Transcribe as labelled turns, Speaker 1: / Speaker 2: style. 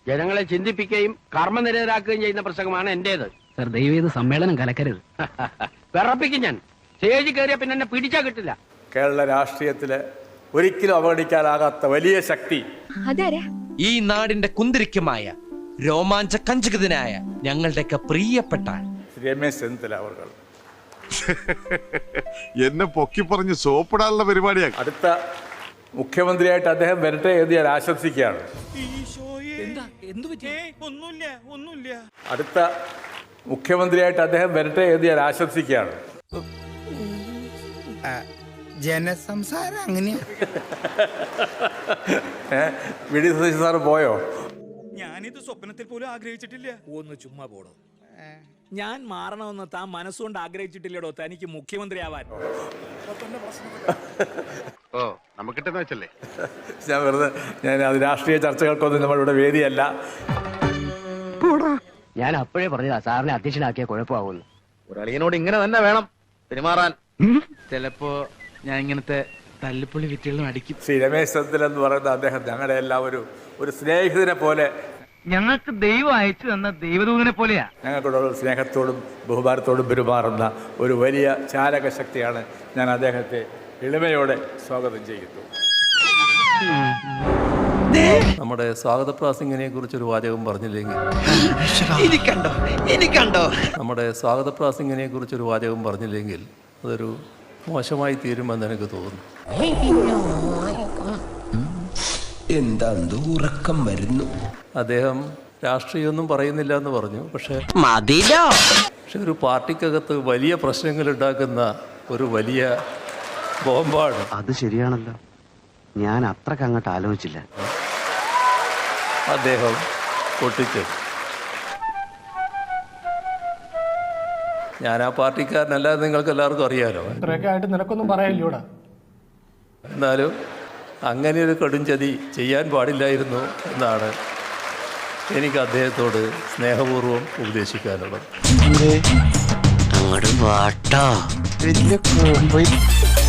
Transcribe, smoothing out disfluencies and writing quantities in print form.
Speaker 1: ജനങ്ങളെ ചിന്തിപ്പിക്കുകയും കർമ്മനിരതരാക്കുകയും ചെയ്യുന്ന പ്രസംഗമാണ് എന്റേത്.
Speaker 2: സർ ദയവ് ചെയ്ത് സമ്മേളനം കലക്കരുത്.
Speaker 1: വിറപ്പിക്കും ഞാൻ. സ്റ്റേജിൽ കയറിയ പിന്നെ എന്നെ പിടിച്ചാ കിട്ടില്ല.
Speaker 3: കേരള രാഷ്ട്രീയത്തില് ഒരിക്കലും അവഗണിക്കാനാകാത്ത വലിയ ശക്തി
Speaker 4: ഈ നാടിന്റെ കുന്തിരിക്കമായ രോമാഞ്ച കഞ്ചുകിതനായ ഞങ്ങളുടെയൊക്കെ പ്രിയപ്പെട്ട
Speaker 3: രമേശ് ചെന്നിത്തല അവർ
Speaker 5: എന്നെ പൊക്കി പറഞ്ഞ് സോപ്പിടാനുള്ള പരിപാടിയാണ്.
Speaker 3: അടുത്ത മുഖ്യമന്ത്രിയായിട്ട് അദ്ദേഹം വരട്ടെ എന്ന് ഞാൻ ആശംസിക്കുകയാണ്. അടുത്ത മുഖ്യമന്ത്രിയായിട്ട് അദ്ദേഹം വരട്ടെ എന്ന് ഞാൻ ആശംസിക്കുകയാണ്.
Speaker 6: ജനസംസാരം അങ്ങനെയാ.
Speaker 3: വി.ഡി. സതീശൻ സാറ് പോയോ?
Speaker 7: ഞാനിത് സ്വപ്നത്തിൽ പോലും ആഗ്രഹിച്ചിട്ടില്ല. ഒന്ന് ചുമ്മാ പോടോ. ഞാൻ മാറണമെന്ന് താൻ മനസ്സുകൊണ്ട് ആഗ്രഹിച്ചിട്ടില്ലടോ തനിക്ക് മുഖ്യമന്ത്രി ആവാൻ.
Speaker 5: നമുക്കിട്ടെന്ന് വെച്ചല്ലേ.
Speaker 3: ഞാൻ വെറുതെ അത് രാഷ്ട്രീയ ചർച്ചകൾക്കൊന്നും നമ്മളിവിടെ വേദിയല്ല.
Speaker 1: ഞാൻ അപ്പോഴേ പറഞ്ഞതാ സാറിനെ അധ്യക്ഷനാക്കിയ കുഴപ്പമാവുന്നു.
Speaker 8: ഒരളിയനോട് ഇങ്ങനെ തന്നെ വേണം പെരുമാറാൻ. ചിലപ്പോ ഞാൻ ഇങ്ങനത്തെ തല്ലിപ്പൊളി വിറ്റുകളും അടിക്കും.
Speaker 3: ശ്രീ രമേശ് ചെന്നിത്തല എന്ന് പറയുന്ന അദ്ദേഹം ഞങ്ങളുടെ എല്ലാം ഒരു സ്നേഹിതനെ പോലെ,
Speaker 2: ഞങ്ങൾക്ക് ദൈവം അയച്ചു തന്ന ദൈവദൂതനെ പോലെയാ.
Speaker 3: ഞങ്ങൾക്കുള്ള സ്നേഹത്തോടും ബഹുമാനത്തോടും പെരുമാറുന്ന ഒരു വലിയ ചാലക ശക്തിയാണ്. ഞാൻ അദ്ദേഹത്തെ എളിമയോടെ സ്വാഗതം ചെയ്യുന്നു.
Speaker 9: നമ്മുടെ സ്വാഗത പ്രാസംഗിനെ കുറിച്ചൊരു വാചകം പറഞ്ഞില്ലെങ്കിൽ നമ്മുടെ സ്വാഗത പ്രാസംഗിനെ കുറിച്ചൊരു വാചകം പറഞ്ഞില്ലെങ്കിൽ അതൊരു മോശമായി തീരുമെന്ന് എനിക്ക് തോന്നുന്നു.
Speaker 6: എന്താ ഉറക്കം വരുന്നു.
Speaker 9: അദ്ദേഹം രാഷ്ട്രീയമൊന്നും പറയുന്നില്ല എന്ന് പറഞ്ഞു. പക്ഷെ ഒരു പാർട്ടിക്കകത്ത് വലിയ പ്രശ്നങ്ങൾ ഉണ്ടാക്കുന്ന ഒരു വലിയ ബോംബാണ്.
Speaker 1: അത് ശരിയാണല്ലോ, ഞാൻ അത്രക്ക് അങ്ങോട്ട് ആലോചിച്ചില്ല.
Speaker 9: അദ്ദേഹം പൊട്ടിച്ചത്. ഞാൻ ആ പാർട്ടിക്കാരനല്ലാതെ നിങ്ങൾക്ക് എല്ലാവർക്കും അറിയാലോ.
Speaker 2: നിനക്കൊന്നും പറയാനില്ലൂടാ.
Speaker 9: എന്നാലും അങ്ങനെ ഒരു കടുംചതി ചെയ്യാൻ പാടില്ലായിരുന്നു എന്നാണ് എനിക്ക് അദ്ദേഹത്തോട് സ്നേഹപൂർവ്വം ഉപദേശിക്കാനുള്ളത്.
Speaker 1: അങ്ങോട്ട് വാട്ടോ.